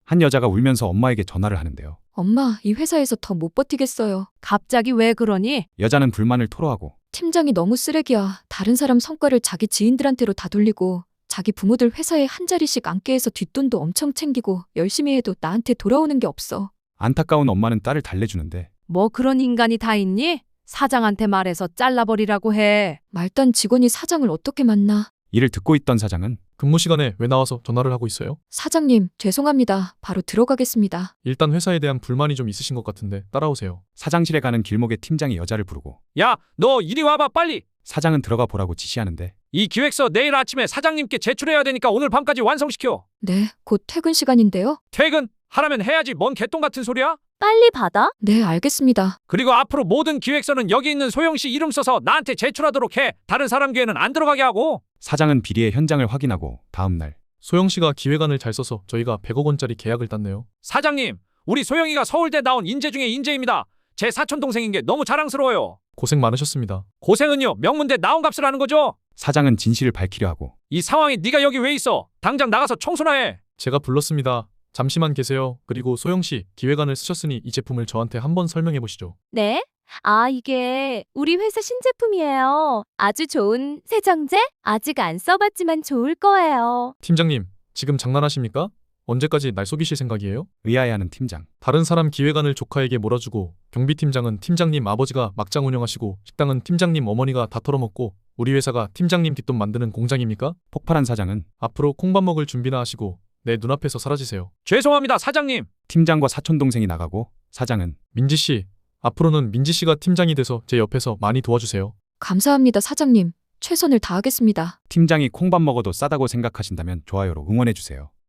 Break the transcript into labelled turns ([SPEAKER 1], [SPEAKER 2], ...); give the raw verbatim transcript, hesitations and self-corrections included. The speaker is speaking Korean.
[SPEAKER 1] 한 여자가 울면서 엄마에게 전화를 하는데요.
[SPEAKER 2] 엄마, 이 회사에서 더 못 버티겠어요.
[SPEAKER 3] 갑자기 왜 그러니?
[SPEAKER 1] 여자는 불만을 토로하고
[SPEAKER 2] 팀장이 너무 쓰레기야. 다른 사람 성과를 자기 지인들한테로 다 돌리고 자기 부모들 회사에 한 자리씩 앉게 해서 뒷돈도 엄청 챙기고 열심히 해도 나한테 돌아오는 게 없어.
[SPEAKER 1] 안타까운 엄마는 딸을 달래주는데
[SPEAKER 3] 뭐 그런 인간이 다 있니? 사장한테 말해서 잘라버리라고 해.
[SPEAKER 2] 말단 직원이 사장을 어떻게 만나?
[SPEAKER 1] 이를 듣고 있던 사장은
[SPEAKER 4] 근무 시간에 왜 나와서 전화를 하고 있어요?
[SPEAKER 2] 사장님, 죄송합니다. 바로 들어가겠습니다.
[SPEAKER 4] 일단 회사에 대한 불만이 좀 있으신 것 같은데 따라오세요.
[SPEAKER 1] 사장실에 가는 길목에 팀장이 여자를 부르고
[SPEAKER 5] 야, 너 이리 와봐 빨리.
[SPEAKER 1] 사장은 들어가 보라고 지시하는데
[SPEAKER 5] 이 기획서 내일 아침에 사장님께 제출해야 되니까 오늘 밤까지 완성시켜.
[SPEAKER 2] 네, 곧 퇴근 시간인데요.
[SPEAKER 5] 퇴근 하라면 해야지 뭔 개똥 같은 소리야?
[SPEAKER 6] 빨리 받아?
[SPEAKER 2] 네, 알겠습니다.
[SPEAKER 5] 그리고 앞으로 모든 기획서는 여기 있는 소영 씨 이름 써서 나한테 제출하도록 해. 다른 사람 기회는 안 들어가게 하고.
[SPEAKER 1] 사장은 비리의 현장을 확인하고 다음 날
[SPEAKER 4] 소영 씨가 기획안을 잘 써서 저희가 백억 원짜리 계약을 땄네요.
[SPEAKER 5] 사장님, 우리 소영이가 서울대 나온 인재 중에 인재입니다. 제 사촌 동생인 게 너무 자랑스러워요.
[SPEAKER 4] 고생 많으셨습니다.
[SPEAKER 5] 고생은요, 명문대 나온 값을 하는 거죠.
[SPEAKER 1] 사장은 진실을 밝히려 하고
[SPEAKER 5] 이 상황에 네가 여기 왜 있어? 당장 나가서 청소나 해.
[SPEAKER 4] 제가 불렀습니다. 잠시만 계세요. 그리고 소영 씨, 기획안을 쓰셨으니 이 제품을 저한테 한번 설명해 보시죠.
[SPEAKER 6] 네? 아, 이게 우리 회사 신제품이에요. 아주 좋은 세정제? 아직 안 써봤지만 좋을 거예요.
[SPEAKER 4] 팀장님, 지금 장난하십니까? 언제까지 날 속이실 생각이에요?
[SPEAKER 1] 의아해하는 팀장.
[SPEAKER 4] 다른 사람 기획안을 조카에게 몰아주고 경비팀장은 팀장님 아버지가 막장 운영하시고 식당은 팀장님 어머니가 다 털어먹고 우리 회사가 팀장님 뒷돈 만드는 공장입니까?
[SPEAKER 1] 폭발한 사장은
[SPEAKER 4] 앞으로 콩밥 먹을 준비나 하시고 내 눈앞에서 사라지세요.
[SPEAKER 5] 죄송합니다, 사장님.
[SPEAKER 1] 팀장과 사촌 동생이 나가고 사장은
[SPEAKER 4] 민지 씨, 앞으로는 민지 씨가 팀장이 돼서 제 옆에서 많이 도와주세요.
[SPEAKER 2] 감사합니다, 사장님. 최선을 다하겠습니다.
[SPEAKER 1] 팀장이 콩밥 먹어도 싸다고 생각하신다면 좋아요로 응원해주세요.